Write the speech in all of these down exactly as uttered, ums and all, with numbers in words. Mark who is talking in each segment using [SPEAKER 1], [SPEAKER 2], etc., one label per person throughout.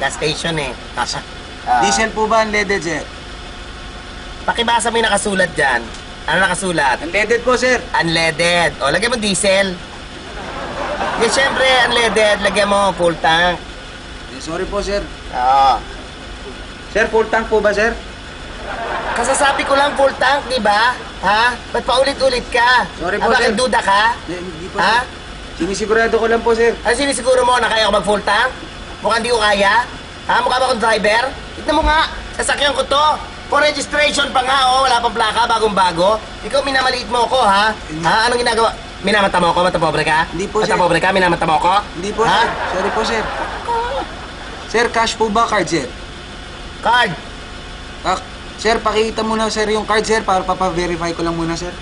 [SPEAKER 1] gas station eh.
[SPEAKER 2] Tasa.
[SPEAKER 1] Ah.
[SPEAKER 2] Diesel po ba unleaded, sir?
[SPEAKER 1] Pakibasa mo yung nakasulat dyan. Ano nakasulat?
[SPEAKER 2] Unleaded po, sir.
[SPEAKER 1] Unleaded. O, lagyan mo diesel. Di, syempre, unleaded. Lagyan mo full tank.
[SPEAKER 2] Eh, sorry po, sir.
[SPEAKER 1] Oo.
[SPEAKER 2] Sir, full tank po ba, sir?
[SPEAKER 1] Kasasabi ko lang full tank, di ba? Ha? Ba't paulit-ulit ka?
[SPEAKER 2] Sorry po,
[SPEAKER 1] Ah, bakit
[SPEAKER 2] sir.
[SPEAKER 1] duda ka?
[SPEAKER 2] Eh, Hindi po,
[SPEAKER 1] Ha?
[SPEAKER 2] sir. Sinisigurado ko lang po, sir.
[SPEAKER 1] Ano sinisiguro mo na kaya ko mag-full tank? Mukhang di ko kaya? Ha? Mukha ba akong driver? Tignan mo nga, sasakyan ko to. For registration pa nga, oh. Wala pang plaka, bagong-bago. Ikaw, minamaliit mo ako, ha? Ha? Anong ginagawa? Minamata mo ako? Matapobre ka?
[SPEAKER 2] Hindi po, sir.
[SPEAKER 1] Matapobre ka? Minamata mo ako?
[SPEAKER 2] Hindi po,
[SPEAKER 1] ha?
[SPEAKER 2] sir. Sorry po, sir. Sir, cash po ba card, sir?
[SPEAKER 1] Card.
[SPEAKER 2] Ah, sir, pakita muna, sir, yung card, sir, para papaverify ko lang muna, sir.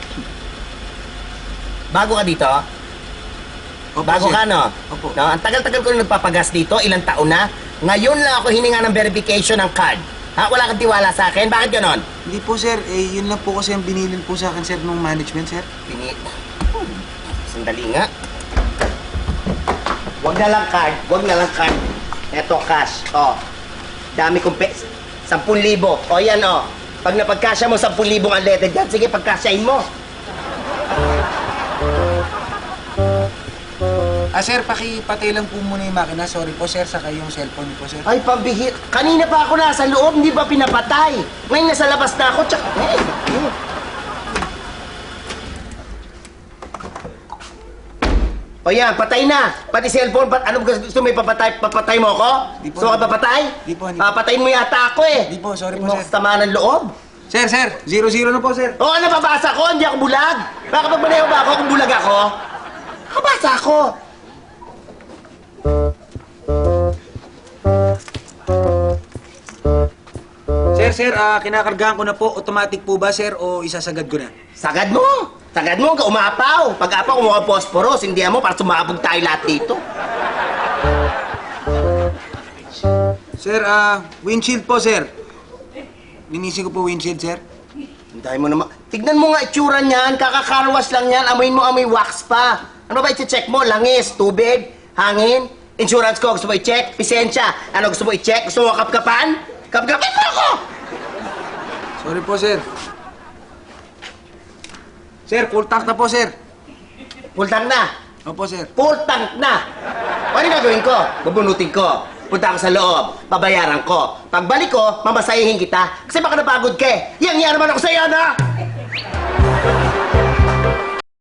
[SPEAKER 1] Bago ka dito?
[SPEAKER 2] Opo,
[SPEAKER 1] Bago
[SPEAKER 2] sir.
[SPEAKER 1] ka, no?
[SPEAKER 2] Opo.
[SPEAKER 1] No? Ang tagal-tagal ko na nagpapagas dito, ilang taon na. Ngayon lang ako hininga ng verification ng card. Ha? Wala kang tiwala sa akin? Bakit ganon?
[SPEAKER 2] Hindi po, sir. Eh, yun lang po kasi ang binilin po sa akin, sir, ng management, sir.
[SPEAKER 1] Pini... Sandali nga. Wag na lang card. Wag na lang card. Eto, cash. O. Dami kong pes. Sampun libo. O, yan, o. Pag napagkasya mo, sampun libong unleaded yan. Sige, pagkasyain mo.
[SPEAKER 2] Ah, sir, pakipatay lang po muna yung makina. Sorry po, sir, saka yung cellphone po, sir.
[SPEAKER 1] Ay, pambihir. Kanina pa ako nasa loob, hindi ba pinapatay? Ngayon nasa labas na ako, tsaka... Eh, eh. O yan, patay na. Pati cellphone, pat ano gusto mo ipapatay? Papatay mo ako?
[SPEAKER 2] Di po,
[SPEAKER 1] Gusto ka
[SPEAKER 2] di po.
[SPEAKER 1] papatay?
[SPEAKER 2] Di po, di po.
[SPEAKER 1] Papatayin mo yata ako eh.
[SPEAKER 2] Di po, sorry
[SPEAKER 1] Hindi
[SPEAKER 2] po,
[SPEAKER 1] mo
[SPEAKER 2] sir.
[SPEAKER 1] ako sama ng loob.
[SPEAKER 2] Sir, sir, zero zero na po, sir.
[SPEAKER 1] O ano babasa ko? Hindi ako bulag. Baka pag maneho ba ako kung bulag ako? Kabasa ako.
[SPEAKER 2] Sir, sir, ah, kinakargahan ko na po. Automatic po ba, sir, o isasagad ko na?
[SPEAKER 1] Sagad mo. Sagad mo, ka umapaw. Pag apaw, kumuha posporos. Hindi mo para sumabog tayo lahat dito.
[SPEAKER 2] Sir, ah, windshield po, sir. Linisin ko po windshield, sir.
[SPEAKER 1] Hintayin mo naman. Tignan mo nga itsura niyan. Kakakarwas lang yan. Amoyin mo, amoy wax pa. Ano ba i-check mo? Langis, tubig, hangin? Insurance ko, gusto mo i-check? Pisensya, ano gusto mo i-check? Gusto mo kapkapan? Kapkapin mo ako!
[SPEAKER 2] Sorry po, sir. Sir, full tank na po, sir.
[SPEAKER 1] Full tank na.
[SPEAKER 2] Opo, sir.
[SPEAKER 1] Full tank na. Ano yung gagawin ko? Bubunutin ko. Punta ako sa loob. Babayaran ko. Pagbalik ko, mamasahihin kita. Kasi baka napagod ka eh. Yang yan naman ako sa'yo, na!